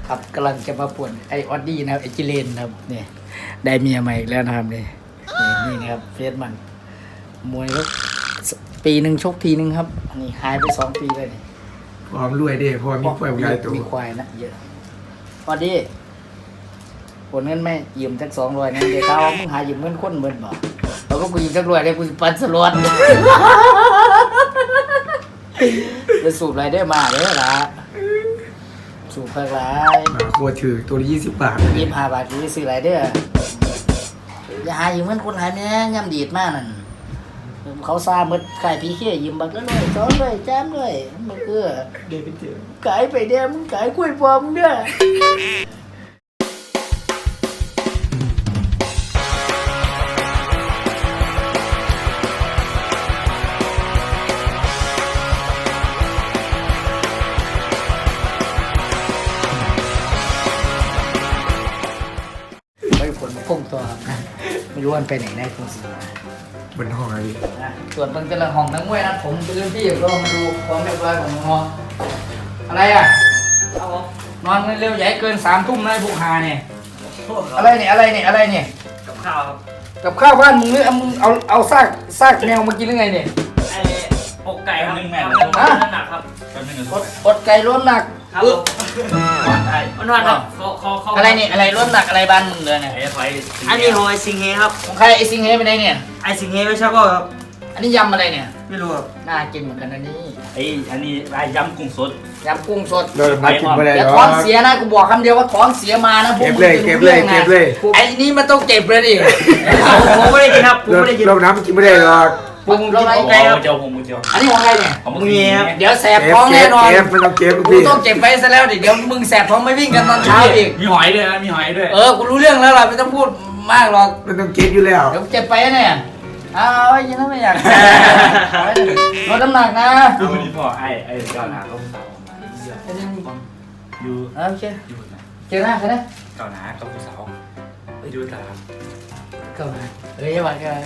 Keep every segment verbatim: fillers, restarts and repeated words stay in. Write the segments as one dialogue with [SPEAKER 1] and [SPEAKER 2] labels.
[SPEAKER 1] ครับกำลังจะมาป่วนไอออดดี้นะครับไอจิเลนครับนี่ได้เมียใหม่อีกแล้วนะครับนี่นี่นี่นะครับเฟสมันมวยก็ปีหนึ่งชกทีนึงครับนี่หายไปสองปีเลยนี่
[SPEAKER 2] พร้อมรวยเด้พอมีควายใหญ่ตัว
[SPEAKER 1] มีควายนะเยอะออดดี้ผลเงินไม่ยืมสักสองร้อยนะเดี๋ยวเขามึงหายืมเงินคนเหมือนบ่เราก็กูยืมสักร้อยเลยกูปันสลดจะสูบอะไรได้มาเด้อละสูบเพิ่มไร
[SPEAKER 2] โคตรถือตัวละยี่สิบบาท
[SPEAKER 1] ยี่สิบห้าบาทกูจะซื้ออะไรเด้ออย่าหายืมเงินคนหายแม่ย่ำดีดมากนั่นเขาซาเมื่อขายพีเขี้ยยืมบักแล้วเลยซ้อนเลยแจ้มเลยมันเออ
[SPEAKER 2] เดี๋ยวไปเจอ
[SPEAKER 1] ขายไปเด้อมึงขายกล้วยปลอมเด้อผลพุ่งตัวครับนะไม่รู้มันไปไหนได้คงสิมา
[SPEAKER 2] บนห้องอะไร
[SPEAKER 1] นะส่วนเบิ่งแต่ละห้องทั้งมวยนะผมเป็นพี่ก็มาดูความเรียบร้อยของน้องอะไรอ่ะนอนเร็วใหญ่เกินสามทุ่มนะพวกหาเนี่ยอะไรเนี่ยอะไรเนี่ยอะไรเนี่ย
[SPEAKER 3] กับข้าวครับ
[SPEAKER 1] กับข้าวบ้านมึงหรือมึงเอาเอาซากซากแมวมากินหรือไงเนี่ย
[SPEAKER 3] ไอ้อกไก่ครับ
[SPEAKER 4] หนึ่งแม่
[SPEAKER 3] ทำเป็นน้ำหนักครับ
[SPEAKER 4] แป๊บนึงนะ
[SPEAKER 1] อดอดไก่ล้มหนัก
[SPEAKER 3] ครับ
[SPEAKER 1] อึ๊บ
[SPEAKER 4] ไอ้
[SPEAKER 3] วันวันครับเขาเขาเขา
[SPEAKER 1] อะไรเนี่ยอะไรล้มหนักอะไรบ้านมึงเลยเนี่ย
[SPEAKER 4] ไอ้ไฟ
[SPEAKER 3] อันนี้ของไอซิงเฮครับ
[SPEAKER 1] ของใครไอซิงเฮไปไหนเนี่ย
[SPEAKER 3] ไอซิงเฮไม่ใช่ก็ครับ
[SPEAKER 1] อันนี้ยำอะไรเนี่ย
[SPEAKER 3] ไม่รู้ครับ
[SPEAKER 1] น่ากินเหมือนกันอันนี้
[SPEAKER 4] ไอ้อันนี้ไอ้ยำกุ้งสด
[SPEAKER 1] ยำกุ้งสด
[SPEAKER 2] เรามากินไม่ได้
[SPEAKER 1] เดี๋ยว
[SPEAKER 2] หรอ
[SPEAKER 1] ท้องเสียนะกูบอกคำเดียวว่าท้องเสียมานะพวก
[SPEAKER 2] เก็บ
[SPEAKER 1] มึง
[SPEAKER 2] เลย
[SPEAKER 1] จะ
[SPEAKER 2] เก็บ
[SPEAKER 1] รู้
[SPEAKER 2] เลย
[SPEAKER 1] รื่องนะ
[SPEAKER 2] เก็บเลย
[SPEAKER 1] ไอ้นี่มันต้องเก็บเลยดิ
[SPEAKER 3] ผมไม่ได้กินครับผม
[SPEAKER 2] เรา
[SPEAKER 3] ไม่ได้กิน
[SPEAKER 2] เราน้ำกินไม่ได้หรอก
[SPEAKER 1] ปรุงกิน
[SPEAKER 4] โอ้
[SPEAKER 1] โอ
[SPEAKER 4] โห
[SPEAKER 1] เคครับ
[SPEAKER 4] เจียวผมเจียว
[SPEAKER 1] อันนี้ของใครเนี่ย
[SPEAKER 4] ของ
[SPEAKER 3] มึงเงี้ยครับ
[SPEAKER 1] เดี๋ยวแสบ
[SPEAKER 2] เก็บ
[SPEAKER 1] ท้อง
[SPEAKER 2] เก็
[SPEAKER 1] แน่
[SPEAKER 2] บ
[SPEAKER 1] นอน
[SPEAKER 2] เก็บไม่ต้องเก็บ
[SPEAKER 1] กู
[SPEAKER 2] พี่
[SPEAKER 1] ต้องเก็บไว้ซะแล้วดิเดี๋ยวมึงแสบท้องไม่วิ่งกันตอนเช้าอีก
[SPEAKER 4] มีหอยด้วยนะมีหอยด้วย
[SPEAKER 1] เออกูรู้เรื่องแล้วล่ะไม่ต้องพูดมากหรอก
[SPEAKER 2] ไม่ต้องเก็บอยู่แล้ว
[SPEAKER 1] เดี๋ยวเก็บไปเนี่ยเอาไว้อยังนั้นไม่อยากเอาไว้ลดน้ำหนักนะ
[SPEAKER 4] คือวันนี้พ่อไอ้ไอ้ก้าวหน้าเขาสาวออกมาอยู่
[SPEAKER 1] เอาโอเค
[SPEAKER 4] อยู่นะ
[SPEAKER 1] เจอหน้าใครนะ
[SPEAKER 4] ก้าวหน้าเขาผู้สาวไปดูตลาด
[SPEAKER 1] เข้ามาเฮ้ยวันกัน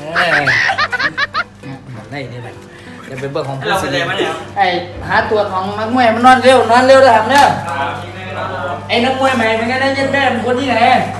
[SPEAKER 1] ได้ได้ไหมจะเป็นเบอร์ของผู้
[SPEAKER 3] เรา
[SPEAKER 1] สิ
[SPEAKER 3] เป็นอะไรมาเนี่ย
[SPEAKER 1] ไอ้หาตัวของนักมวยมันนอนเร็วนอนเร็วเลยครับเนี่ยไอ้นักมวยใหม่เป็นไงนะยันแม่เป็นคนที่ไหน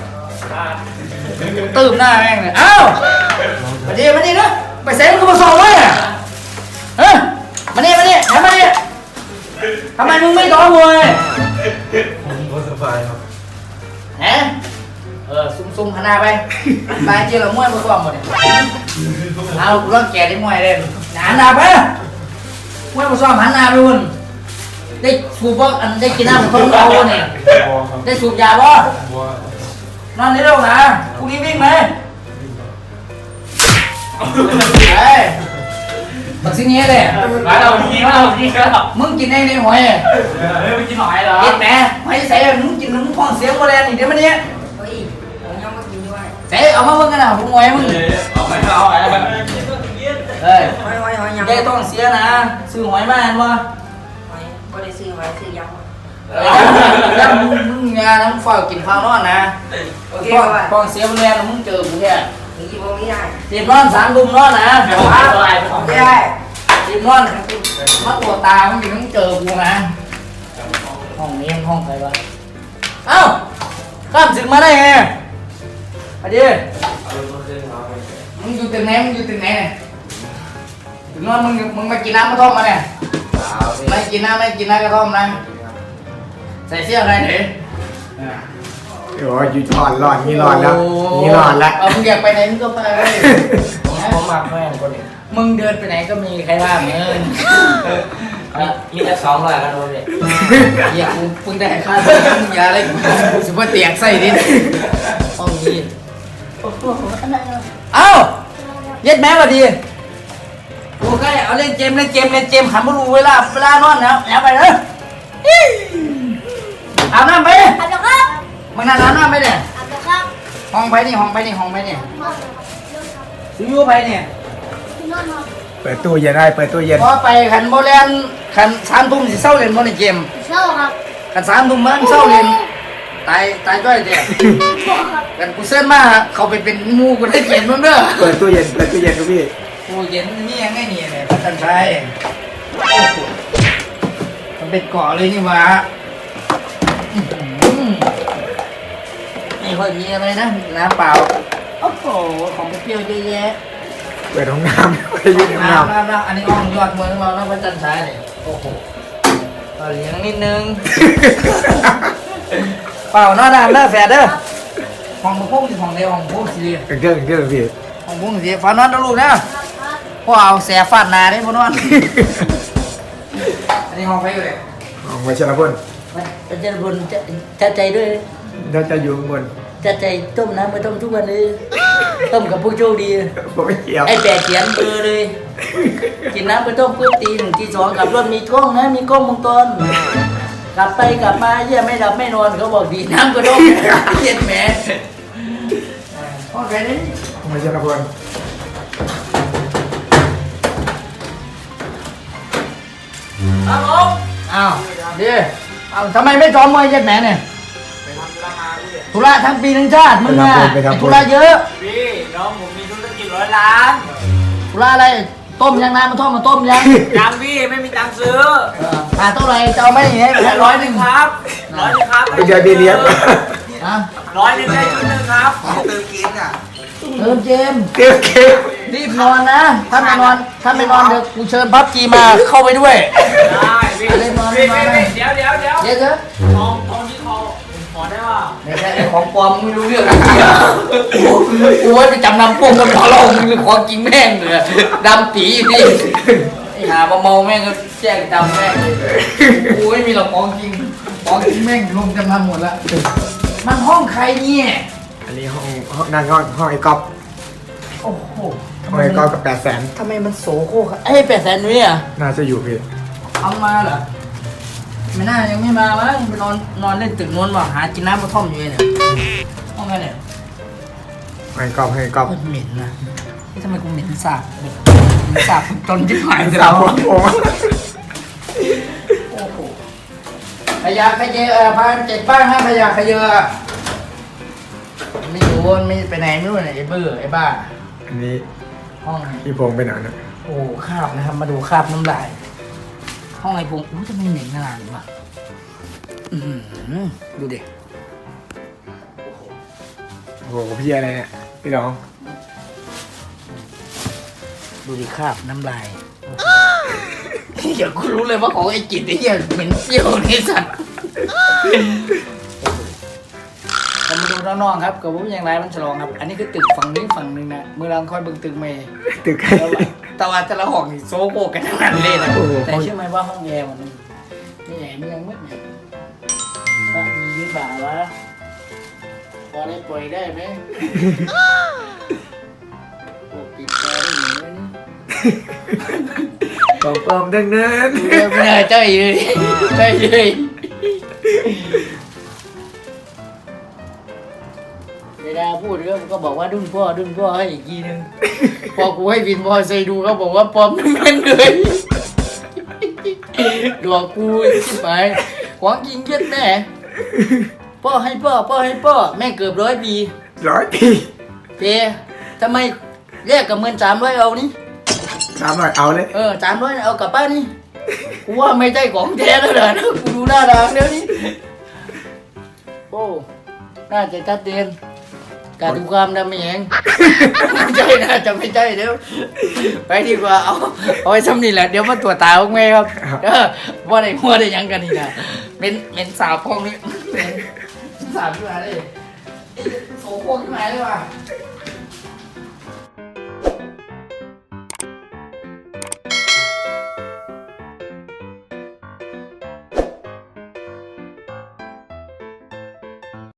[SPEAKER 1] ตื่มหน้าแม่งเลยอ้าวมาดีมาดีนะไปเซ็นกูมาสอบไว้อะเฮ้ยมาดีมาดีทำไมทำไมมึงไม่ต่อมวย
[SPEAKER 2] ผมก็สบายครับ
[SPEAKER 1] ฮะเออซุ่มซุ่มขนาดไปตายเจอเรามวยมาสอบหมดเนี่ยเอากูร้องแก่ได้มวยเลยหันหน้าไปมวยมาสอบหันหน้าไปวุ่นได้สูบบ่อันได้กินน้ำของเขาเนี่ยได้สูบยาบ่นอนนี่เร็วนะพรุ่งนี้วิ่งไหมเฮ้ยบักซิงเงี้ยเลย
[SPEAKER 4] มาเราพี่มาเราพี่ครับ
[SPEAKER 1] มึงกินได้ในหอย
[SPEAKER 4] เฮ้ยไปกินหอยเหรอ
[SPEAKER 1] กินแหมหอยใส่มึงกินมึงท้องเสียโมแดนอีกเดี๋ยวมันเนี้ย
[SPEAKER 5] เฮ้ยผมยังไม่กินด้วย
[SPEAKER 1] ใส่เอามาเบิ่งกันนะผมหอยมึง
[SPEAKER 4] เอาไปเอาไปเอาไป
[SPEAKER 1] เฮ้ย
[SPEAKER 5] หอยหอยหอยยัง
[SPEAKER 1] ได้ท้องเสียนะซื้อหอยมาอันวะ
[SPEAKER 5] หอยบ่ได้ซื้อหอยซื้อยัง
[SPEAKER 1] แล้วมึงมึงงานมึงฝ้ากินข้าวนอนนะ
[SPEAKER 5] โอเค
[SPEAKER 1] ท้อง
[SPEAKER 5] ว่า
[SPEAKER 1] ท้องเสียโมแดนมึงเจอกูแค่
[SPEAKER 5] มีบ่มีได้
[SPEAKER 1] ตีบนอนสามดุมนอนนะ
[SPEAKER 4] เอาไปเอาไป
[SPEAKER 5] ไม่ได้
[SPEAKER 1] ตีบนอนมาตัวตามึงอยู่มึงเจอกูนะห้องนี้มันห้องใครวะเอ้าข้ามถึงมาได้ไงมาดิมึงอยู่ตึกไหนมึงอยู่ตึกไหนเนี่ยถึงนอนมึงมึงมากินน้ำกระท่อมมาเนี่ยไม่กินน้ำไม่กินน้ำกระท่อมนะใส่เสื้ออะไรเนี่ย
[SPEAKER 2] โอ้ยอยู่ร้อนร้อนนี่ร้อนแล้วนี่ร้อนแล้ว
[SPEAKER 1] เอามึงอยากไปไหนมึงก็ไปเลยผมมักแม่งคนนี้มึงเดินไปไหนก็มีใครว่ามึง
[SPEAKER 3] มีแต่สองร้อยกันเลย
[SPEAKER 1] อย่ากูเพิ่งได้ค่ามึงอย่าอะไรกูสุภาพเตียกใส่ดิห้องนี้เอ้าเย็ดแม่มาดีโอเคเอาเล่นเกมเล่นเกมเล่นเกมหันมาดูเวลาเวลานอนแล้วแอบไปเลยอาบน้ำไป
[SPEAKER 6] อาบน้ำครับ
[SPEAKER 1] มึงนั่งอาบน้ำไปเนี่ย
[SPEAKER 6] อาบน้ำครับ
[SPEAKER 1] ห้องไปนี่ห้องไปนี่ห้องไปนี่ซิยูไปเนี่ย
[SPEAKER 6] ที่นอนครับ
[SPEAKER 2] เปิดตู้เย็นได้เปิดตู้เย็น
[SPEAKER 1] พอไปขันโบแลนขันสามทุ่มสิเศร้าเล่นโมในเกม
[SPEAKER 6] เช้าครับ
[SPEAKER 1] ขันสามทุ่มมันเศร้าเล่นตายตายจ้อยเดีย
[SPEAKER 6] บอกครับ
[SPEAKER 1] กันกูเส้นมาเขาไปเป็นหมูกูได้เกมนู้นเด้อ
[SPEAKER 2] เปิดตู้เย็นเปิดตู้เย็นครับพี่
[SPEAKER 1] กูเย็นนี่ยังไงเนี่ยเนี่ยพันชัยมันเป็นเกาะเลยนี่หวะอื้อหือค่อยมีอะไรนะน้ำเปล่าโอ้โหของเปรี้ยวเยอะแยะ
[SPEAKER 2] เปิดห้องน้ำไปยืนห้องน้
[SPEAKER 1] น้ำน้ำน้ำอันนี้อ่องยอดเมืองเรานะพระจันทร์ฉายเนี่ยโอ้โหเอาเลี้ยงนิดนึง เปล่าหน้าด่านหน้าแฝดเด้อของพวกที่ของในของพวกสี
[SPEAKER 2] ำเก่งเก่งพี่
[SPEAKER 1] ของพวกสีฟ้านอนนะลูกนะพ่อเอาแสฟาดนาได้พ่อนอน อันนี้ห้องไฟอยู่เลย
[SPEAKER 2] ห้องไว้ชนะพล
[SPEAKER 1] มันจะบนจะจะใจด้วย
[SPEAKER 2] เราจะอยู่ข้างบน
[SPEAKER 1] จะใจต้มน้ำมาต้มทุกวันเลยต้มกับผู้โชคดี
[SPEAKER 2] ผมไม่เกี่ยว
[SPEAKER 1] ไอ้แปดเขียนเบอร์เลย กินน้ำไปต้มปุ๊บตีหนึ่งตีสองกลับรถมีกล้องนะมีกล้องวงจรกลับไปกลับมาเยี่ยไม่หลับไม่นอนเขาบอกดีน้ำก็ต้มเย็นแหมห้องแค่นี้
[SPEAKER 2] ห้องไว้ชนะพล
[SPEAKER 1] ครับผมอ้าวดีอ้าวทำไมไม่ซ้อมมวยเย็นแหมเนี่ยธุระทั้งปีทั้งชาติมึงอะไอ้ธุระเยอะ
[SPEAKER 4] พี่น้องผมมีธุรกิจร้อยล้าน
[SPEAKER 1] ธุระอะไรต้มยังน้ำมาต้มมาต้มยัง
[SPEAKER 4] ยังพี่ไม่มีตังค์ซื้อ
[SPEAKER 1] เออขาดเท่าไหร่จะเอาไหมอย่างเงี้ยแค่ร้อยหนึ่ง
[SPEAKER 4] ครับร้อยหนึงครับ
[SPEAKER 2] ไปเจอพี่เลี้ยง
[SPEAKER 1] นะ
[SPEAKER 4] ร้อยหนึงได้ชุดหนึงครับ
[SPEAKER 1] เติมเจมส์
[SPEAKER 2] เก่งเก่ง
[SPEAKER 1] รีบนอนนะ ถ้าไม่นอน ถ้าไม่นอนเดี๋ยวกูเชิญพับจีมาเข้าไปด้วย
[SPEAKER 4] ได้พี่
[SPEAKER 1] เล่นนอน
[SPEAKER 4] พี่
[SPEAKER 1] เล่นนอน
[SPEAKER 4] พี่พี่เดี๋ยวเดี๋ยวเดี๋ยว
[SPEAKER 1] เดี๋ยวเถอะ
[SPEAKER 4] ทองทองที่คอผมขอได้ว่า
[SPEAKER 1] ไม่ใช่ไอ้ของปลอมมึงไม่รู้เรื่องกูไว้ไปจำนำพวกมันขอเรามึงหรือของจริงแม่งเลยดำปีอยู่นี่ไอ้หามาเมาแม่งก็แจ้งจำแม่งเลยกูไม่มีหรอกของจริงของจริงแม่งลงจำนำหมดแล้วมันห้องใครเนี่ย
[SPEAKER 2] อันนี้ห้องห้องนั่นห้องห้องไอ้ก๊อฟ
[SPEAKER 1] โอ้โห
[SPEAKER 2] ห้องไอ้ก๊อฟกับแปดแสน
[SPEAKER 1] ทำไมมันโสโครกอะเอ้ยแปดแสนนุ้ยอ่ะ
[SPEAKER 2] น่าจะอยู่พี่
[SPEAKER 1] เอามาเหรอไม่น่ายังไม่มามั้งไปนอนนอนเล่นตึกนู้นว่ะหากินน้ำกระท่อมอยู่เนี่ยห้องไงเนี่ย
[SPEAKER 2] ห้องไอ้ก๊อฟห้องไอ้ก๊อฟ
[SPEAKER 1] โคตรเหม็นนะนี่ทำไมกูเหม็นสาบแบบเหม็นสาบจนที่หายไป
[SPEAKER 2] สา
[SPEAKER 1] แล้ว
[SPEAKER 2] วผม
[SPEAKER 1] โอ้โหพยาขยเยเออพาเจ็ดบ้านห้าพยาขยเยอะไม่รู้มันไม่ไปไหนไม่รู้ไหนไอ้เบื่อไอ้บ้า
[SPEAKER 2] อันนี้
[SPEAKER 1] ห้องไหน
[SPEAKER 2] พี่พงษ์ไปไหนนะ
[SPEAKER 1] โอ้คราบนะครับมาดูคราบน้ำลายห้องไอ้พงอู้จะไม่เหม็นขนาดนี้วะอือหือดูดิ
[SPEAKER 2] โอ้โหพี่อะไรเนี่ยพี่น้อง
[SPEAKER 1] ดูดิคราบน้ำลายเดี๋ยวกูรู้เลยว่าของไอ้จิตไอ้เหี้ยเหม็นเปรี้ยวนี่สัตว์เรามาดูน้องๆครับกับผมอย่างไรมันฉลองครับ อันนี้คือตึกฝั่งนี้ฝั่งหนึ่งนะเมื่อเราค่อยเบิ่งตึกเมย์
[SPEAKER 2] ตึกใคร
[SPEAKER 1] แต่ว่าแต่ละห้องนี่โซโกกันทั้งนั้นเลยนะแต่เชื่อไหมว่าห้องแอร์มันไม่ใหญ่ไม่ยังมืดเนี่ยก็มียืดบ่าวะพอได้ปล่อยได้ไหมโอ้ปิดแอร์ได้หนิ
[SPEAKER 2] ปอมปอมดังนั้น
[SPEAKER 1] ไม่ได้ใจเลยใจเลยเวลาพูดก็ก็บอกว่าดุ้นพ่อดุ้นพ่อให้อีกทีนึงพอกูให้วินพอใส่ดูเขาบอกว่าปลอมทั้งนั้นเลยหลอกกูชิบหายของจริงเย็ดแม่พ่อให้พ่อพ่อให้พ่อแม่เกือบร้อยปี
[SPEAKER 2] ร้อยปี
[SPEAKER 1] เปทำไมแยกกับเงินสามร้อยเอานี่
[SPEAKER 2] สามร้อยเอาเลย
[SPEAKER 1] เออสามร้อยเอากลับบ้านนี่กูว่าไม่ใช่ของแท้แล้วนะกูดูหน้าทางเดี๋ยวนี้โอ้น่าจะชัดเจนการดูความดำเองไม่ใช่น่าจะไม่ใช่เดี๋ยวไปดีกว่าเอาเอาไว้ซ้ำนี่แหละเดี๋ยวมาตรวจตาพวกแม่ครับเออว่าได้ว่าได้ยังกันนี่นะเป็นเป็นสาวพวกนี้เป็นสาวขึ้นมาเลยโสโครกขึ้นมาเลยว่ะ